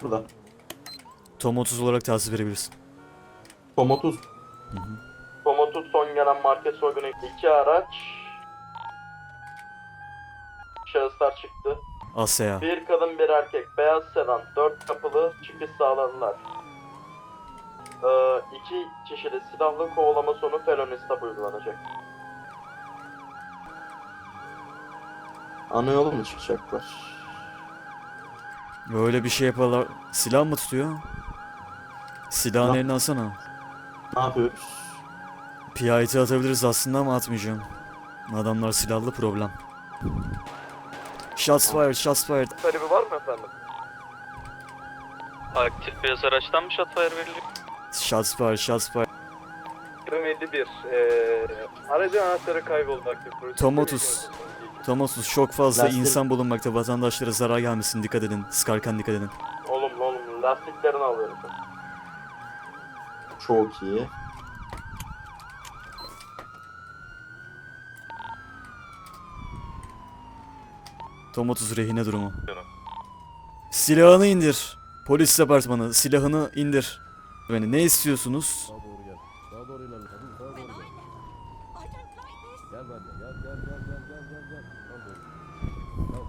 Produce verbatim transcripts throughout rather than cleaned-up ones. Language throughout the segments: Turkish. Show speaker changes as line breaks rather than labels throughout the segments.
burada.
Tom otuz olarak tahsis verebilirsin.
Tom otuz.
Hı hı.
Tom otuz son gelen market soygunu. İki araç. Şahıslar çıktı.
Asya.
Bir kadın bir erkek. Beyaz sedan. Dört kapılı çıkış sağladılar. Ee, iki kişili silahlı kovalama sonu felony stop uygulanacak. Ana yolu mu çıkacaklar?
Öyle bir şey yaparlar. Silah mı tutuyor? Silahın
Silah.
eline alsana.
Ne yapıyoruz?
P I T atabiliriz aslında ama atmayacağım. Adamlar silahlı, problem. Shots fired, shots fired.
Talebi var mı efendim?
Aktif beyaz araçtan mı shotfire verilecek?
Shots fired, shots fired.
yirmi yedi bir. Ee, aracın anahtarı kayboldu aktif polis.
Tom otuz. Tom otuz çok fazla
Lastik.
insan bulunmakta. Vatandaşlara zarar gelmesin. Dikkat edin. Sıkarken dikkat edin.
Olumlu olumlu. Lastiklerini alıyorum. Çok iyi.
Tom otuz rehine durumu. Silahını indir. Polis departmanı silahını indir. Beni ne istiyorsunuz?
Sağa doğru gel. Sağa doğru ilerle. Kadın sağa doğru gel. Gel benimle. Gel gel gel gel gel gel gel. Sağa doğru. Tamam.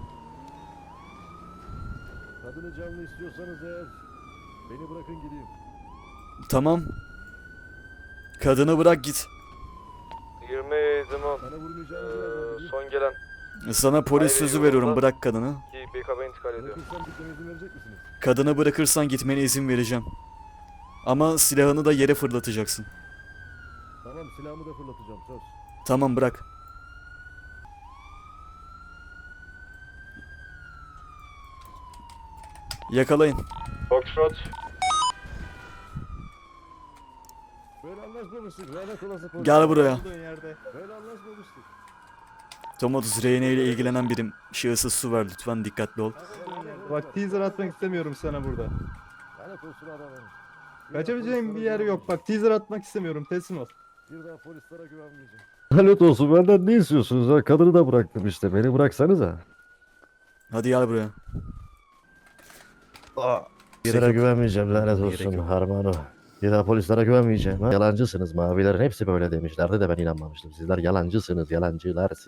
Kadını canlı istiyorsanız eğer beni bırakın gideyim.
Tamam. Kadını bırak git.
yirmi zaman
Bana vurmayacağınızı nereden bileyim?
son gelen
Sana polis
Hayır,
sözü
yolunda.
veriyorum. Bırak kadını.
ki B K B intikal ediyor.
Bırakırsam gitmeme izin verecek misiniz?
Kadını bırakırsan gitmene izin vereceğim. Ama silahını da yere fırlatacaksın.
Tamam, silahımı da fırlatacağım, söz.
Tamam bırak. Yakalayın.
Foxtrot.
Böyle anlaşmamıştık. Lanet olası polis.
Gel buraya.
Böyle anlaşmamıştık.
Tom otuz rehine ile ilgilenen birim. Şahısa su ver lütfen, dikkatli ol.
Bak teaser atmak istemiyorum sana burada.
Lanet olsun adamım.
Kaçabileceğim bir yer yok. Bak teaser atmak istemiyorum. Teslim ol.
Bir daha polislere güvenmeyeceğim. Lanet olsun, benden ne istiyorsunuz ha? Kadını da bıraktım işte. Beni bıraksanıza.
Hadi gel buraya.
Polislere güvenmeyeceğim, lanet
Gerek
olsun
yok.
Harmano. Bir daha polislere güvenmeyeceğim. Ha? Yalancısınız, mavilerin hepsi böyle demişlerdi de ben inanmamıştım. Sizler yalancısınız, yalancılar.